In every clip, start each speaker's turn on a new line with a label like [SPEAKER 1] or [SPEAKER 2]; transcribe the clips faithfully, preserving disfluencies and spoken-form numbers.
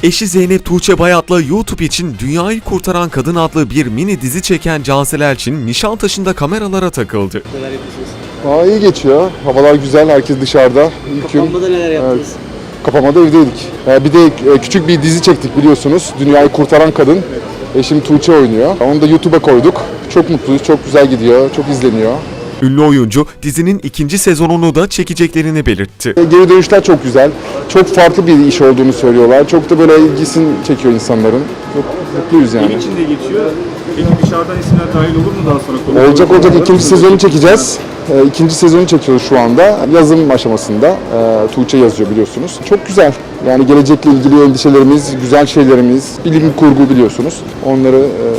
[SPEAKER 1] Eşi Zeynep Tuğçe Bayat'la YouTube için Dünyayı Kurtaran Kadın adlı bir mini dizi çeken Cansel Elçin, Nişantaşı'nda kameralara takıldı.
[SPEAKER 2] Neler yapıyorsunuz?
[SPEAKER 3] Aa, iyi geçiyor. Havalar güzel, herkes dışarıda. İlk gün,
[SPEAKER 2] Kapanmada neler yaptınız?
[SPEAKER 3] evet, kapamada evdeydik. Ee, bir de e, küçük bir dizi çektik biliyorsunuz. Dünyayı Kurtaran Kadın. Eşim Tuğçe oynuyor. Onu da YouTube'a koyduk. Çok mutluyuz, çok güzel gidiyor, çok izleniyor.
[SPEAKER 1] Ünlü oyuncu dizinin ikinci sezonunu da çekeceklerini belirtti.
[SPEAKER 3] E, Geri dönüşler çok güzel. Çok farklı bir iş olduğunu söylüyorlar. Çok da böyle ilgisini çekiyor insanların. Çok mutluyuz yani.
[SPEAKER 4] Gün içinde geçiyor. Peki dışarıdan isimler dahil olur mu daha sonra? Konu
[SPEAKER 3] Olacak
[SPEAKER 4] olur mu?
[SPEAKER 3] olacak ikinci sezonu çekeceğiz. E, İkinci sezonu çekiyoruz şu anda. Yazım aşamasında. E, Tuğçe yazıyor biliyorsunuz. Çok güzel. Yani gelecekle ilgili endişelerimiz, güzel şeylerimiz, bilim kurgu biliyorsunuz. Onları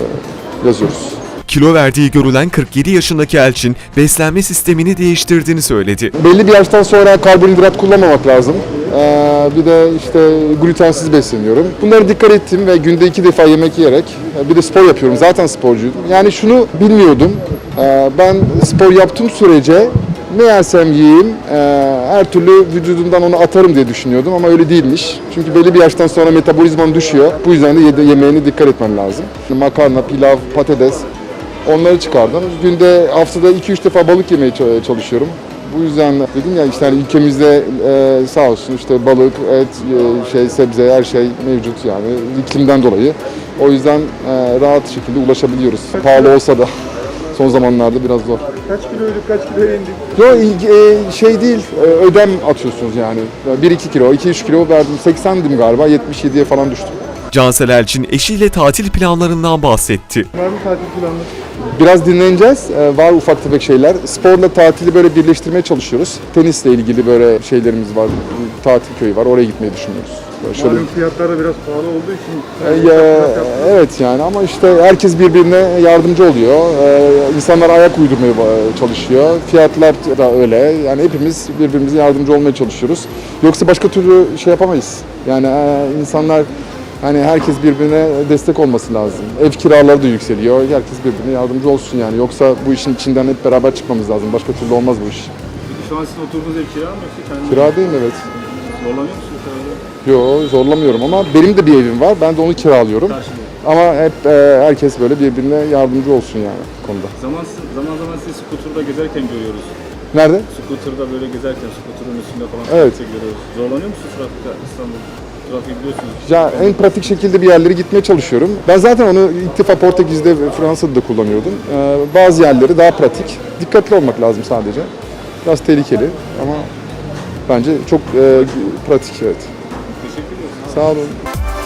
[SPEAKER 3] e, yazıyoruz.
[SPEAKER 1] Kilo verdiği görülen kırk yedi yaşındaki Elçin, beslenme sistemini değiştirdiğini söyledi.
[SPEAKER 3] Belli bir yaştan sonra karbonhidrat kullanmamak lazım. Ee, bir de işte glutensiz besleniyorum. Bunlara dikkat ettim ve günde iki defa yemek yiyerek bir de spor yapıyorum. Zaten sporcuydum. Yani şunu bilmiyordum. Ee, ben spor yaptığım sürece ne yersem yiyeyim e, her türlü vücudumdan onu atarım diye düşünüyordum ama öyle değilmiş. Çünkü belli bir yaştan sonra metabolizman düşüyor. Bu yüzden de yedi- yemeğine dikkat etmen lazım. Makarna, pilav, patates onları çıkardım. Günde haftada iki üç defa balık yemeye çalışıyorum. Bu yüzden dedim ya işte hani ülkemizde e, sağ olsun işte balık, et, e, şey sebze her şey mevcut yani iklimden dolayı. O yüzden e, rahat şekilde ulaşabiliyoruz. Pahalı olsa da son zamanlarda biraz zor.
[SPEAKER 4] Kaç kiloyduk, kaç kiloya indik?
[SPEAKER 3] Yok e, şey değil, e, ödem atıyorsunuz yani. bir iki kilo, iki üç kilo verdim. seksendim galiba, yetmiş yediye falan düştüm.
[SPEAKER 1] Cansel Elçin eşiyle tatil planlarından bahsetti.
[SPEAKER 4] Var mı tatil planı?
[SPEAKER 3] Biraz dinleneceğiz. Ee, var ufak tefek şeyler. Sporla tatili böyle birleştirmeye çalışıyoruz. Tenisle ilgili böyle şeylerimiz var. Tatil köyü var. Oraya gitmeyi düşünüyoruz. Böyle şöyle...
[SPEAKER 4] Malum fiyatlar da biraz pahalı olduğu için.
[SPEAKER 3] Ee, ya, evet yani ama işte herkes birbirine yardımcı oluyor. Ee, insanlar ayak uydurmaya çalışıyor. Fiyatlar da öyle. Yani hepimiz birbirimize yardımcı olmaya çalışıyoruz. Yoksa başka türlü şey yapamayız. Yani e, insanlar hani herkes birbirine destek olması lazım. Ev kiraları da yükseliyor. Herkes birbirine yardımcı olsun yani. Yoksa bu işin içinden hep beraber çıkmamız lazım. Başka türlü olmaz bu iş.
[SPEAKER 4] Peki şu an sizin oturduğunuz ev kira mı yoksa kendi?
[SPEAKER 3] Kira değil mi? Evet.
[SPEAKER 4] Zorlanıyor musunuz herhalde?
[SPEAKER 3] Yok zorlamıyorum ama benim de bir evim var. Ben de onu kiralıyorum.
[SPEAKER 4] Karşılıyor.
[SPEAKER 3] Ama hep e, herkes böyle birbirine yardımcı olsun yani bu konuda.
[SPEAKER 4] Zaman, zaman zaman sizi skuterda gezerken görüyoruz.
[SPEAKER 3] Nerede?
[SPEAKER 4] Skuterda böyle gezerken, skuterın üstünde falan
[SPEAKER 3] Evet.
[SPEAKER 4] görüyoruz. Zorlanıyor musunuz trafikte İstanbul? Trafiği biliyorsunuz.
[SPEAKER 3] Ya en pratik şekilde bir yerlere gitmeye çalışıyorum. Ben zaten onu ilk defa Portekiz'de ve Fransa'da da kullanıyordum. Ee, bazı yerleri daha pratik. Dikkatli olmak lazım sadece. Biraz tehlikeli ama bence çok e, pratik evet.
[SPEAKER 4] Teşekkür ederiz.
[SPEAKER 3] Sağ olun.